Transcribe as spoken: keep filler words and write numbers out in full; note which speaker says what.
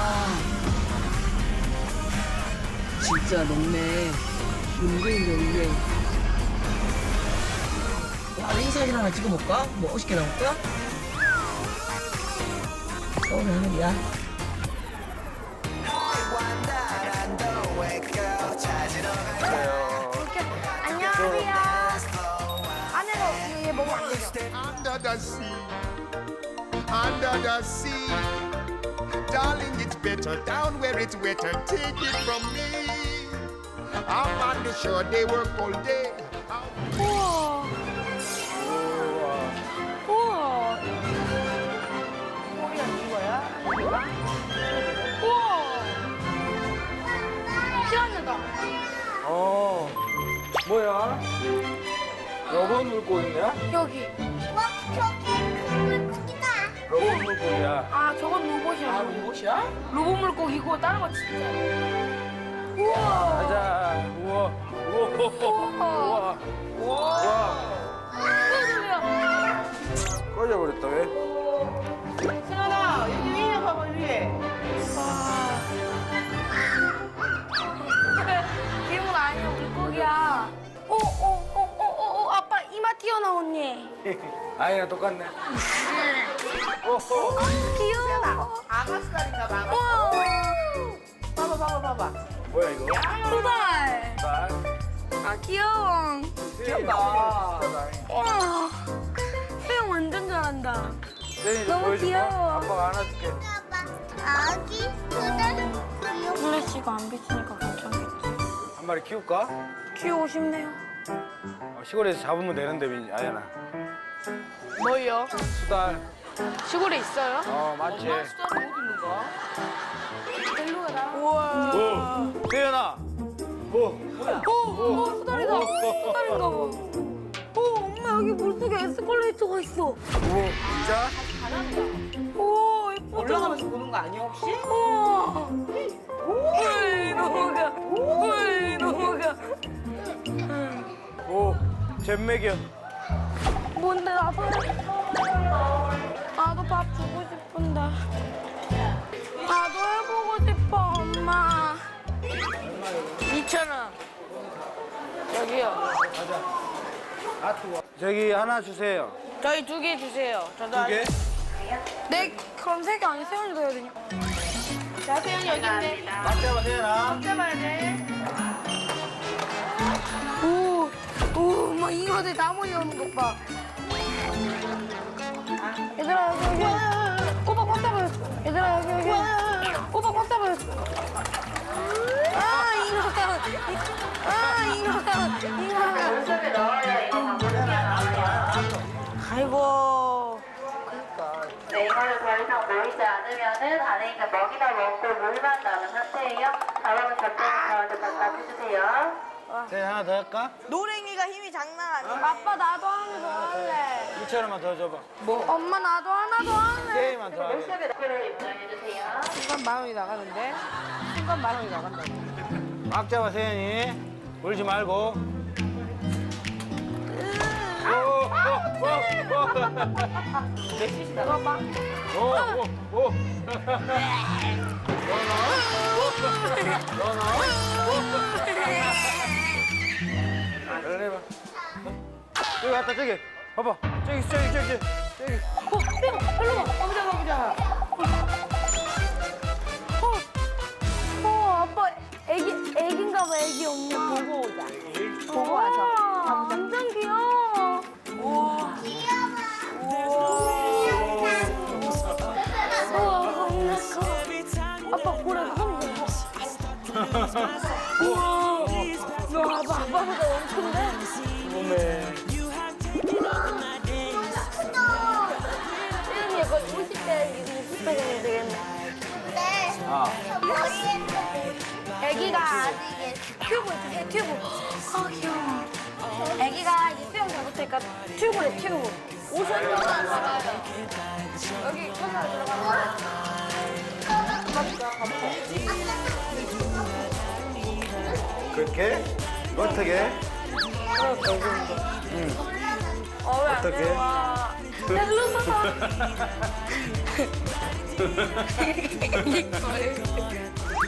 Speaker 1: 진짜 녹네. 은근히 녹네. 와, 인사진 하나 찍어볼까? 뭐 멋있게 나올까? 서울의 하늘이야.
Speaker 2: 안녕하세요. 안에서 얘 먹으면 안 되죠?
Speaker 3: Under the sea, under the sea. Darling, it's better down where it's wetter. Take it from me. Up on the shore, they work all day.
Speaker 2: 우와. 우와.
Speaker 4: 소리가 이거야? 이거야?
Speaker 2: 우와. 피라냐다.
Speaker 5: 어, 뭐야? 로봇 물고기냐?
Speaker 2: 여기.
Speaker 5: 로봇 물고기야.
Speaker 2: 아, 저건 로봇이야.
Speaker 4: 아, 로봇이야?
Speaker 2: 로봇 물고기고 다른 거 진짜. 우와.
Speaker 5: 가자. 우와. 우와. 우와. 우와. 우와. 꺼져버렸다, 왜?
Speaker 4: 승환아, 여기 위에 봐봐, 위에.
Speaker 2: 괴물 아니야, 물고기야. 오, 오, 오, 오, 오, 오, 아빠 이마 튀어나오니.
Speaker 5: 아이랑 똑같네. 오호.
Speaker 2: 귀여워.
Speaker 4: 아가스달인가 봐.
Speaker 2: 우와.
Speaker 4: 봐봐, 봐봐, 봐봐.
Speaker 5: 뭐야, 이거?
Speaker 2: 두 달.
Speaker 5: 쌀.
Speaker 2: 아, 귀여워.
Speaker 4: 귀엽다.
Speaker 2: 우와. 수영 완전 잘한다.
Speaker 5: 세인이 좀
Speaker 2: 너무
Speaker 5: 보여줄까?
Speaker 2: 귀여워.
Speaker 5: 아빠가 안아줄게.
Speaker 6: 아기 수달
Speaker 2: 플래시가 안 비치니까 괜찮겠지.
Speaker 5: 한 마리 키울까?
Speaker 2: 키우고 싶네요.
Speaker 5: 어, 시골에서 잡으면 되는데, 민- 아연아.
Speaker 2: 뭐요?
Speaker 5: 수달.
Speaker 2: 시골에 있어요?
Speaker 5: 어, 맞지?
Speaker 4: 수달은 어디 있는 거야?
Speaker 2: 일로 가라.
Speaker 4: 우와.
Speaker 5: 오, 세연아. 뭐?
Speaker 2: 오, 오, 수달이다. 수달인가 봐. 오, 엄마 여기 물속에 에스컬레이터가 있어.
Speaker 5: 오, 진짜?
Speaker 2: 오, 예쁘다.
Speaker 4: 올라가면서 보는 거 아니야, 혹시?
Speaker 2: 우와. 헐, 넘어가. 헐, 넘어가.
Speaker 5: 오, 잼맥이야.
Speaker 2: 뭔데, 나도 해. 나도 밥 주고 싶은데. 나도 해보고 싶어, 엄마. 이천 원. 여기요.
Speaker 5: 저기 하나 주세요.
Speaker 2: 저희 두 개 주세요. 저도
Speaker 5: 두 개?
Speaker 2: 네, 그럼 세 개 아니 세연이도 해야 되냐? 자, 세연이 여기 있네.
Speaker 5: 맞잡아, 세연아.
Speaker 2: 잡아야 돼. 오, 오, 막 잉어들 다 몰려오는 것 봐. 얘들아, 여기, 여기. 꼬박 꽉 잡아요. 얘들아, 여기, 여기. 꼬박 꽉 잡아요. 아, 잉어가. 아, 잉어가. 잉어가.
Speaker 7: 물속에 넣어야 이거 방법이
Speaker 2: 아이고.
Speaker 7: 네, 이거를 더 이상 모이지 않으면은 안에 있는 먹이나 먹고 물만 남은 상태예요. 다음은 접대는 가운데 갖다 주세요.
Speaker 5: 세연 하나 더 할까?
Speaker 4: 노랭이가 힘이 장난 아니야.
Speaker 2: 아빠, 나도 하나 더 할래.
Speaker 5: 이천 원만 더 줘봐.
Speaker 2: 엄마, 나도 하나 더 할래.
Speaker 5: 세이만 더 하게.
Speaker 7: 물속에 넣기를 입장해 주세요.
Speaker 4: 순간 만 원이 나가는데? 순간 만 원이 나간다.
Speaker 5: 막 잡아, 세연이. 울지 말고. 오, 오, 오,
Speaker 4: 몇시씩 나가?
Speaker 5: 오, 오, 오. 그래, 해봐. 저기 갔다, 저기. 봐봐. 저기, 저기, 저기, 저기.
Speaker 2: 어, 대박. 일로 와.
Speaker 4: 가보자, 가보자.
Speaker 2: 어, 어, 아빠 애기 애기인가 봐. 애기 엄마.
Speaker 4: 보고 오자. 보고 와서.
Speaker 2: 와, 완전 귀여워. 우와, 겁나 커. 아빠 고래 손 보고. 우와, 너 아빠 아빠보다 엄청데?
Speaker 5: 몸에.
Speaker 2: 세연이 약간 오십 대 육십 대 정도 되겠네.
Speaker 6: 네
Speaker 5: 아.
Speaker 2: 애기가 아직 튜브 있지, 튜브. 아, 귀여워. 애기가 이제 수영 잘 못하니까 튜브래, 튜브. 오십 년 들어가요. 여기 천사 들어가면.
Speaker 5: 그렇게? 어떻게?
Speaker 2: 어, 왜안
Speaker 5: 어떡해?
Speaker 2: 들어와? 헬로 사다.